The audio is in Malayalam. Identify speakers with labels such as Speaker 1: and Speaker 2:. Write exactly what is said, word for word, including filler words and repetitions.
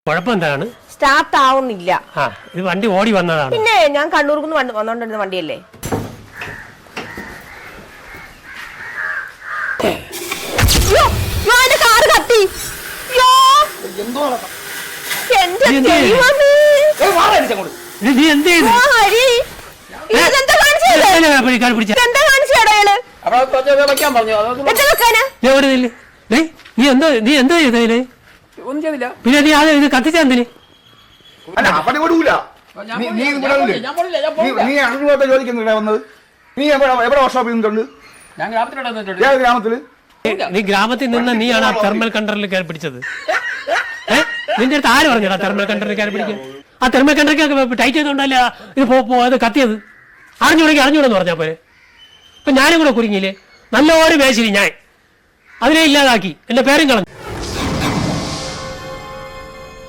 Speaker 1: കുഴപ്പം എന്താണ്?
Speaker 2: സ്റ്റാർട്ട് ആവുന്നില്ല.
Speaker 1: ആ ഇത് വണ്ടി ഓടി വന്നതാണ്.
Speaker 2: പിന്നെ ഞാൻ കണ്ണൂർന്ന് വന്നോണ്ടിരുന്ന വണ്ടിയല്ലേ. കാറ് കത്തി.
Speaker 1: നീ എന്ത് ചെയ്തു? നീ എന്താ നീ എന്താ ചെയ്തേ? പിന്നെ നീ അത് ഇത് കത്തിച്ചെന്തിന്? നീ ഗ്രാമത്തിൽ നിന്ന് നീയാണ് ആ തെർമൽ കണ്ടറിൽ കയറി പിടിച്ചത്. ഏഹ് നിന്റെ അടുത്ത് ആര് പറഞ്ഞടാ തെർമൽ കണ്ടറിൽ കയറി പിടിക്കാൻ? ആ തെർമൽ കണ്ടറിക്ക് ടൈറ്റ് ചെയ്തോണ്ടല്ല ഇത് അത് കത്തിയത്. അറിഞ്ഞുകൂടെങ്കിൽ അറിഞ്ഞൂടെന്ന് പറഞ്ഞാൽ പോലെ. ഇപ്പൊ ഞാനും കൂടെ കുരുങ്ങിയില്ലേ? നല്ലൊരു മേശിരി ഞാൻ അതിനെ ഇല്ലാതാക്കി എന്റെ പേരും കളഞ്ഞു.